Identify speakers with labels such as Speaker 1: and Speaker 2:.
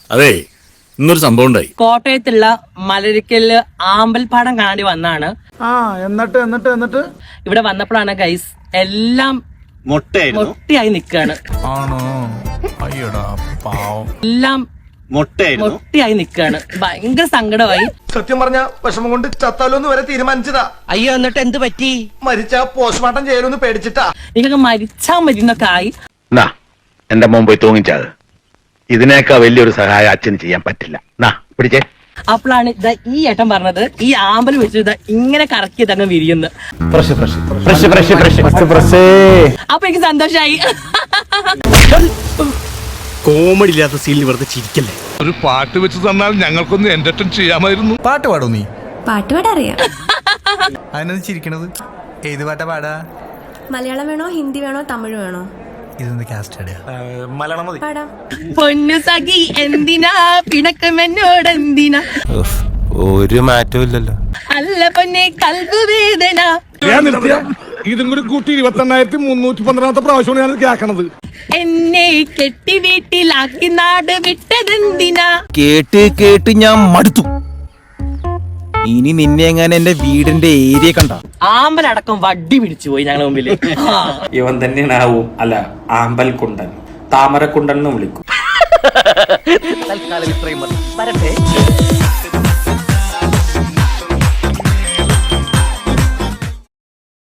Speaker 1: അതെ, ഇന്നൊരു സംഭവം ഉണ്ടായി.
Speaker 2: കോട്ടയത്തുള്ള മലരിക്കല് ആമ്പൽപ്പാടം കാണാണ്ടി വന്നാണ്.
Speaker 3: എന്നിട്ട്
Speaker 2: ഇവിടെ വന്നപ്പോഴാണ് ഗൈസ് എല്ലാം മൊട്ടയായി നിക്കാണ്.
Speaker 4: ആണോ? അയ്യടാ പാവം.
Speaker 2: എല്ലാം മൊട്ടയായി നിക്കാണ്. ഭയങ്കര സങ്കടമായി.
Speaker 3: സത്യം പറഞ്ഞ വിഷമം കൊണ്ട് ചത്താലോന്ന് വരെ തീരുമാനിച്ചതാ.
Speaker 2: അയ്യോ, എന്നിട്ട് എന്ത് പറ്റി?
Speaker 3: മരിച്ച പോസ്റ്റ്മോർട്ടം ചെയ്യലൊന്ന് പേടിച്ചിട്ടാ.
Speaker 2: നിങ്ങക്ക് മരിച്ചാ മരുന്നൊക്കെ ആയി.
Speaker 5: എന്റെ മോൻ പോയി തൂങ്ങിച്ചത്. ഇതിനേക്കാൾ വലിയൊരു സഹായം അച്ഛന് ചെയ്യാൻ പറ്റില്ല. പിടിച്ചേ.
Speaker 2: അപ്പോഴാണ് ഈ ഏട്ടൻ പറഞ്ഞത് ഈ ആമ്പൽ വെച്ച് ഇങ്ങനെ കറക്കിയത് അങ്ങ് വിരിയുന്നു. അപ്പൊ എനിക്ക് സന്തോഷായി.
Speaker 1: കോമഡി ഇല്ലാത്ത സീനിൽ വെറുതെ ചിരിക്കല്ലേ.
Speaker 4: ഒരു പാട്ട് വെച്ച് തന്നാൽ ഞങ്ങൾക്കൊന്ന് എന്റർടൈൻ ചെയ്യാമായിരുന്നു. പാട്ട് പാടോ നീ?
Speaker 6: പാട്ട് പാടറിയാം.
Speaker 4: അതിനത് ചിരിക്കണത്? ഏത് പാട്ടാ പാടാ?
Speaker 6: മലയാളം വേണോ, ഹിന്ദി വേണോ, തമിഴ് വേണോ?
Speaker 4: ഇതൊന്ന് കാസ്റ്റ്
Speaker 3: മലയാളം മതി.
Speaker 6: പാടാം.
Speaker 2: പൊന്നു സഖി എന്തിനാ പിണക്കം എന്നോട് എന്തിനാ?
Speaker 7: ഒരു മാറ്റവും ഇല്ലല്ലോ.
Speaker 2: അല്ല പൊന്നെ കൽബ് വേദന.
Speaker 4: ഇതും കൂടി കൂട്ടി 28,312 പ്രാവശ്യമാണ് ഞാൻ കേൾക്കണത്.
Speaker 2: എന്നെ കെട്ടി വീട്ടിലാക്കി നാട് വിട്ടതെന്തിനാ?
Speaker 7: കേട്ട് ഞാൻ മടുത്തു. ഇനി നിന്നെ എങ്ങനെ എന്റെ വീടിന്റെ ഏരിയ കണ്ട
Speaker 2: ആമ്പലടക്കം വടി പിടിച്ചു പോയി ഞങ്ങളുടെ മുമ്പില്.
Speaker 8: ഇവൻ തന്നെയാണ് അല്ല ആമ്പൽ കുണ്ടൻ, താമരക്കുണ്ടൻ എന്ന് വിളിക്കും.
Speaker 2: തൽക്കാലം ഇത്രയും മതി. വരട്ടെ.